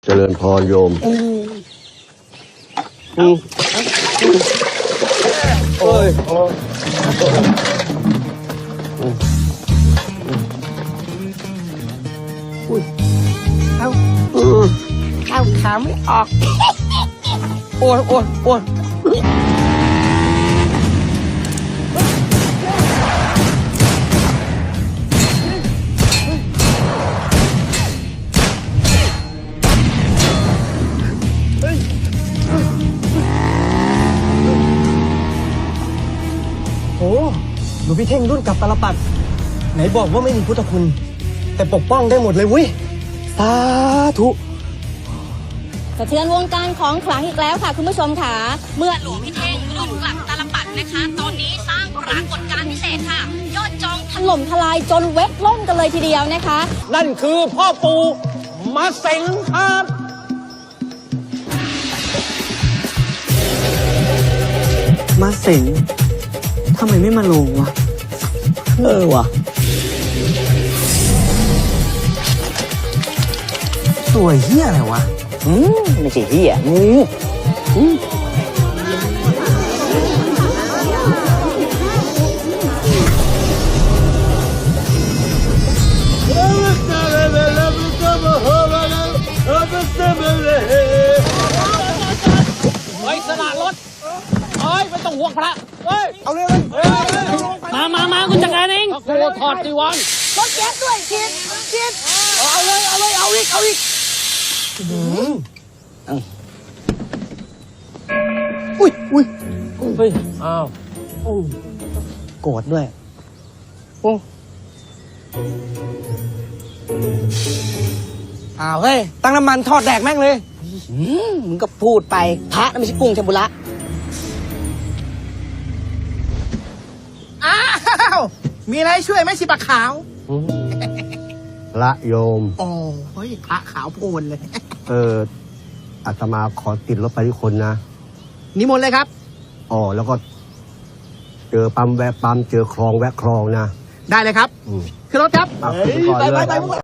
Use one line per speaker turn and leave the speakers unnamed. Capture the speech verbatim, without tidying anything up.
เจริญพรโยมอืมโอ้ย
อุ้ยเอาเอาขาไม่ออกโอ้ยโอ้ยโอ้ยโอ้หลวงพี่เท่งรุ่นกับตาลปัดไหนบอกว่าไม่มีพุทธคุณแต่ปกป้องได้หมดเลยเว้ยสาธุ
สะเทือนวงการของขลังอีกแล้วค่ะคุณผู้ชมค่ะเมื่อหลวงพี่เท่งรุ่นกลับตาลปัดนะคะตอนนี้สร้างปรากฏการณ์พิเศษค่ะยอดจองถล่มทลายจนเว็บล่มกันเลยทีเดียวนะคะ
นั่นคือพ่อปู่มาเส็งครับ
มาเส็งทำไมไม่มาลงวะเออวะตัวเฮียอะไรวะอืมไม่ใช่เฮียงูอืม
เฮ้ยสละรถเฮ้ยไม่ต้องห่วงพระเฮ้ยเอาเร็วมามามาคุณจัดการเองโอ้ถอดจีวร
รถแก๊สด้วยคิดคิด
เอาเลยเอาเลยเอาอีกเอาอีกอุ้ยอุ้ยเฮ้ยอ้าวโกรธด้วยโอ้อ้าวเฮ้ยตั้งน้ำมันทอดแดกแม่งเลยมึงก็พูดไปพระนั่นไม่ใช่กุ้งเทมปุระอ้าวมีอะไรช่วยไหมสิปะขาว
พระโยม
โอ้เฮ้ยพระขาวโพลนเลย
เอออาตมาขอติดรถไปที่คนนะ
นิมนต์เลยครับ
อ๋อแล้วก็เจอปั๊มแวะปั๊มเจอคลองแวะคลองนะ
ได้เลยครับคือรถครับ
ไปไปไป